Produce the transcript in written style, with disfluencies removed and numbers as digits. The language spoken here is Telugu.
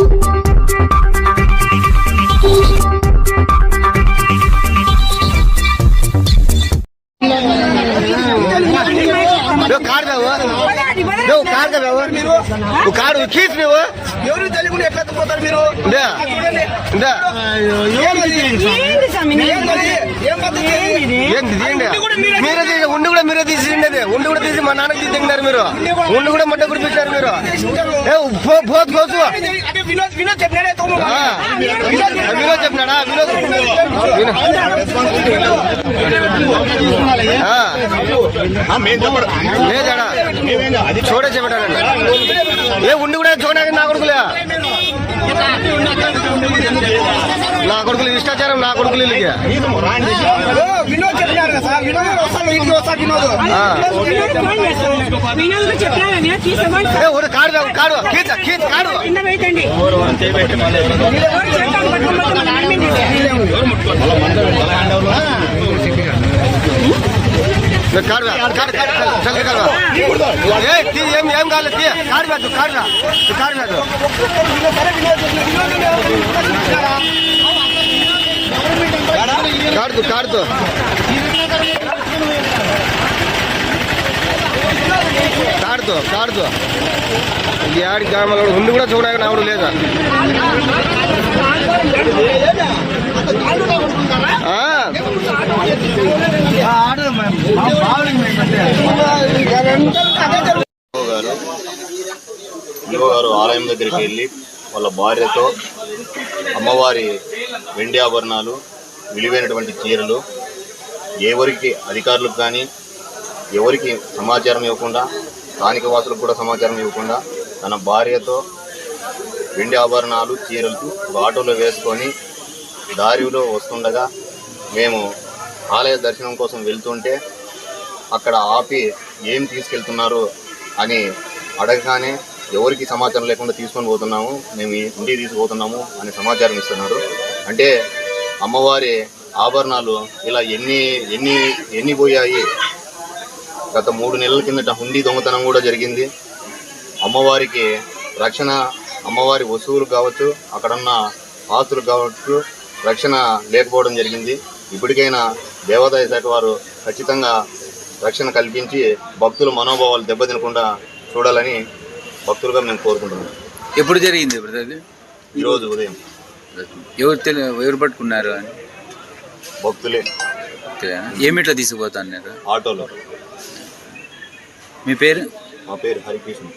కాడు కీస్ నువ్వు ఎవరు తెలియకుండా ఎట్లా పోతారు మీరు? మీరే ఉండి కూడా మీరే తీసిండేది. ఉండి కూడా తీసి మా నాన్నకి తీసినారు మీరు. ఉండి కూడా మట్ట కుడిపించారు మీరు. పోతు కోసు వినోద్ చెప్పినాడా? వినోద్ లేదాడా చూడే చెప్పాడండి. ఏ ఉండి కూడా చూడడానికి నా కొడుకులే, నా కొడుకులు ఇష్టాచారం, నా కొడుకులు కాడు కాడు కాడు ఏం కాలేదు కాడు పెట్టు కాడు పెట్టు కాడుతూ కాడుతూ కాడుతూ కాడుతూ ఈ ఆడి గ్రామాల ఉండి కూడా చూడడానికి నావుడు లేదా? గారు ఆలయం దగ్గరికి వెళ్ళి వాళ్ళ భార్యతో అమ్మవారి వెండి ఆభరణాలు, విలువైనటువంటి చీరలు ఎవరికి అధికారులకు కానీ ఎవరికి సమాచారం ఇవ్వకుండా, స్థానిక వాసులకు కూడా సమాచారం ఇవ్వకుండా తన భార్యతో వెండి ఆభరణాలు, చీరలు ఆటోలో వేసుకొని దారిలో వస్తుండగా మేము ఆలయ దర్శనం కోసం వెళ్తుంటే అక్కడ ఆపి ఏం తీసుకెళ్తున్నారు అని అడగగానే ఎవరికి సమాచారం లేకుండా తీసుకొని పోతున్నాము, మేము ఇంటికి తీసుకుపోతున్నాము అని సమాచారం ఇస్తున్నారు. అంటే అమ్మవారి ఆభరణాలు ఇలా ఎన్ని పోయాయి. గత 3 నెలల కిందట హుండీ దొంగతనం కూడా జరిగింది. అమ్మవారికి రక్షణ, అమ్మవారి వస్తువులు కావచ్చు, అక్కడున్న ఆస్తులు కావచ్చు, రక్షణ లేకపోవడం జరిగింది. ఇప్పటికైనా దేవాదాయ శాఖ వారు ఖచ్చితంగా రక్షణ కల్పించి భక్తుల మనోభావాలు దెబ్బతినకుండా చూడాలని భక్తులుగా మేము కోరుకుంటున్నాం. ఎప్పుడు జరిగింది బ్రదర్? ఈరోజు ఉదయం. ఎవరు పట్టుకున్నారు అని? భక్తులే. ఏమిట్లా తీసుకుపోతాన్నారు? ఆటోలో. మీ పేరు? మా పేరు హరికృష్ణ.